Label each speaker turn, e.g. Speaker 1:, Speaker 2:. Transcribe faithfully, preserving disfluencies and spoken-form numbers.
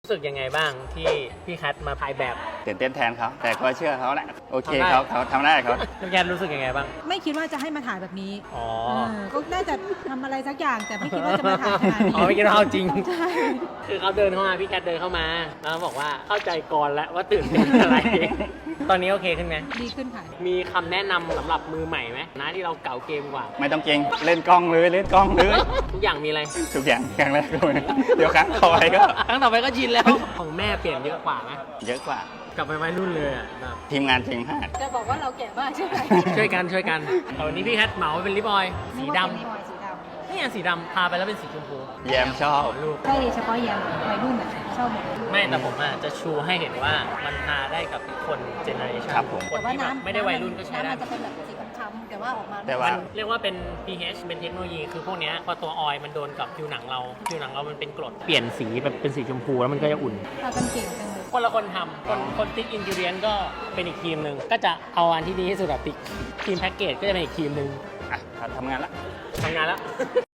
Speaker 1: รู้สึกยังไงบ้างที่พี่แคทมาถ่ายแบบ
Speaker 2: ตื่นเต้นแทนเขาแต่ก็เชื่อเขาแหละโอเคเขาเขาทำได้เขา
Speaker 1: พี่แคทรู้สึกยังไงบ้าง
Speaker 3: ไม่คิดว่าจะให้มาถ่ายแบบนี้
Speaker 1: อ๋อ
Speaker 3: ก็น่าจะทำอะไรสักอย่างแต่ไม่คิดว่าจะมาถ่ายขนาดนี้
Speaker 1: อ๋อไม่คิดว่าเอาจริง
Speaker 3: ใช่
Speaker 1: คือเขาเดินเข้ามาพี่แคทเดินเข้ามาแล้วบอกว่าเข้าใจก่อนแล้วว่าตื่นเต้นอะไร ตอนนี้โอเคขึ้นไหม
Speaker 3: ดีขึ้นค่ะ
Speaker 1: มีคำแนะนำสำหรับมือใหม่ไหมนะที่เราเก่าเกมกว่า
Speaker 2: ไม่ต้องเก่งเล่นกล้องเลยเล่นกล้องเลย
Speaker 1: ทุกอย่างมีอะไร
Speaker 2: ทุกอย่างครั้งแรกเลยเดี๋ยวครั้งต่อไปก็
Speaker 1: ครั้งต่อไปก็ชินแล้วของแม่เปลี่ยนเยอะกว่าไหม
Speaker 2: เยอะกว่า
Speaker 1: กลับไปวัยรุ่นเลยอ่ะแบบ
Speaker 2: ทีมงานจริงมาก
Speaker 3: จะบอกว่าเราแก่มากใช่ไหม
Speaker 1: ช่วยกันช่วยกันแต่วันนี้พี่แคทเหมาเป็นลิปออยล์สีดำ
Speaker 3: สีดำ
Speaker 1: นี่อันสีดำพาไปแล้วเป็นสีชมพู
Speaker 2: แยมชอบ
Speaker 1: ลูก
Speaker 3: ใช่เฉพาะแยมวัยรุ่นอ่ะชอบหมด
Speaker 1: ไม่แต่ผมอ่ะจะชูให้เห็นว่ามันทาได้กับคนเจเนอเรชัน
Speaker 2: ครับผม
Speaker 1: คนที่แบบไม่ได้วัยรุ่นก็ใช้ได้
Speaker 3: น้ำมันจะเป็นแบบสีค้ำๆแต่ว่าออกมา
Speaker 2: แต่ว่า
Speaker 1: เรียกว่าเป็น pH เป็นเทคโนโลยีคือพวกเนี้ยพอตัวออยล์มันโดนกับผิวหนังเราผิวหนังเรามันเป็นกรดเปลี่ยนสีแบบเป็นสีชมพูแล้วมันก็จะอุ่น
Speaker 3: ทากันเก่งจังเลย
Speaker 1: คนละคนทำคนคนติ๊กอินกิเรียนก็เป็นอีกทีมหนึ่งก็จะเอาอันที่ดีที่สุดแบบติ๊กทีมแพ็กเกจก็จะเป็นอีกทีมหนึ่ง
Speaker 2: อ่ะทำงานละ
Speaker 1: ทำงานแล้ว